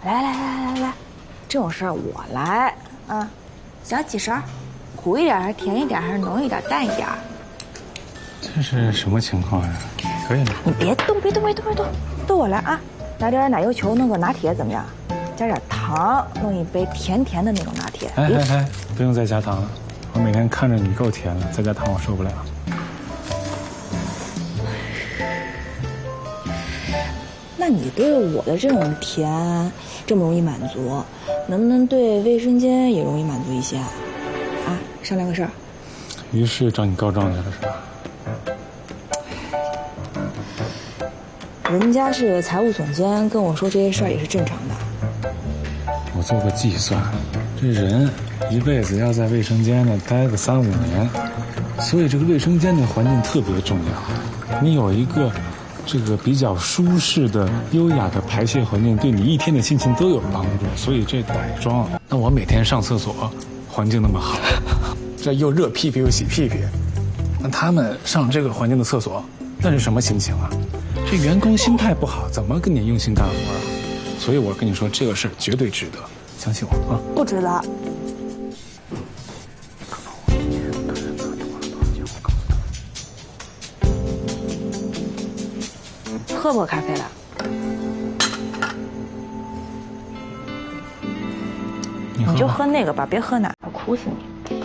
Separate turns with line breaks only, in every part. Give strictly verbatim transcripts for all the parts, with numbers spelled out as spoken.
来来来来来，这种事儿我来啊。想几勺？苦一点还是甜一点还是浓一点淡一点？
这是什么情况呀？可以吗？
你别动，别动，别动，别动，都我来啊！来点奶油球，弄个拿铁怎么样？加点糖，弄一杯甜甜的那种拿铁。
哎哎哎，不用再加糖了，我每天看着你够甜了，再加糖我受不了。
那你对我的这种甜这么容易满足，能不能对卫生间也容易满足一些啊？啊，商量个事儿。
于是找你告状去了是吧？
人家是财务总监，跟我说这些事儿也是正常的。
我做过计算，这人一辈子要在卫生间呢待个三五年，所以这个卫生间的环境特别重要。你有一个这个比较舒适的、优雅的排泄环境，对你一天的心情都有帮助。所以这改装，那我每天上厕所，环境那么好，这又热屁屁又洗屁屁，那他们上这个环境的厕所，那是什么心情啊？这员工心态不好，怎么跟你用心干活啊？所以我跟你说，这个事儿绝对值得，相信我啊！
不值得。喝不喝咖啡了？
你,
你就喝那个吧，别喝奶了，苦死你。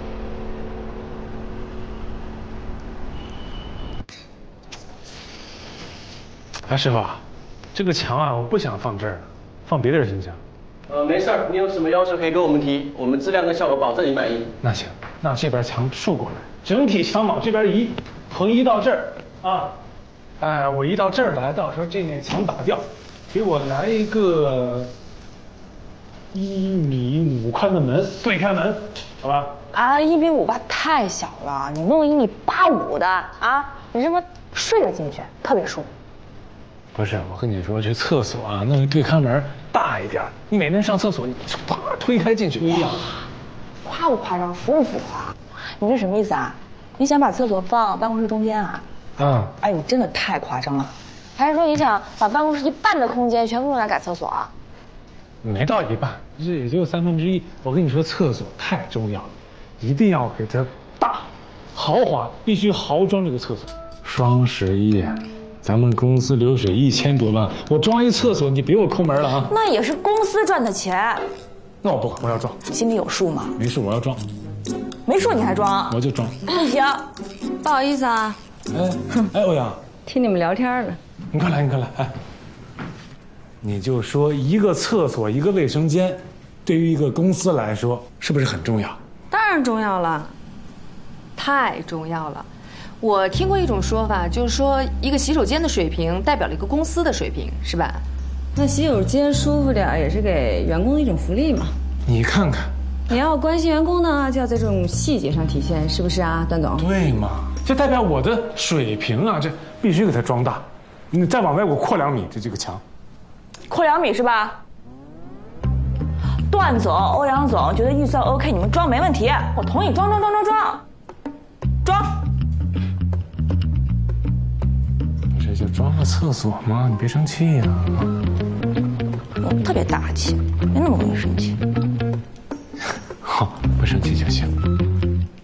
哎，师傅，这个墙啊，我不想放这儿，放别地儿行不行？
呃，没事儿，你有什么要求可以跟我们提，我们质量跟效果保证你满意。
那行，那这边墙竖过来，整体墙往这边移，横移到这儿啊。哎，我移到这儿来，到时候这面墙打掉，给我来一个一米五宽的门，对开门，好吧？
啊，一米五八太小了，你弄一米八五的啊，你这么睡着进去特别舒服。
不是，我跟你说，这厕所啊，那个对开门大一点，你每天上厕所，你啪推开进去不一样。
夸不夸张，服不服啊？你这什么意思啊？你想把厕所放办公室中间啊？
啊！
哎，你真的太夸张了。还是说你想把办公室一半的空间全部用来改厕所啊？
没到一半，这也就三分之一。我跟你说，厕所太重要了，一定要给它大、豪华，必须豪装这个厕所。双十一。咱们公司流水一千多万，我装一厕所，你别我抠门了啊！
那也是公司赚的钱。
那我不管，我要装。
心里有数吗？
没数，我要装。
没数你还装？
我就装。
不行，
不好意思啊。
哎，哎，欧阳，
听你们聊天呢。
你快来，你快来，哎，你就说一个厕所一个卫生间，对于一个公司来说是不是很重要？
当然重要了，太重要了。我听过一种说法，就是说一个洗手间的水平代表了一个公司的水平，是吧？那洗手间舒服点也是给员工的一种福利嘛。
你看看，
你要关心员工呢，就要在这种细节上体现，是不是啊，段总？
对嘛，这代表我的水平啊，这必须给它装大。你再往外给我扩两米，这这个墙。
扩两米是吧？段总、欧阳总觉得预算 OK， 你们装没问题，我同意装装装装装装。
这就装个厕所嘛，你别生气呀、啊。
我特别大气，没那么容易生气。
好，不生气就行。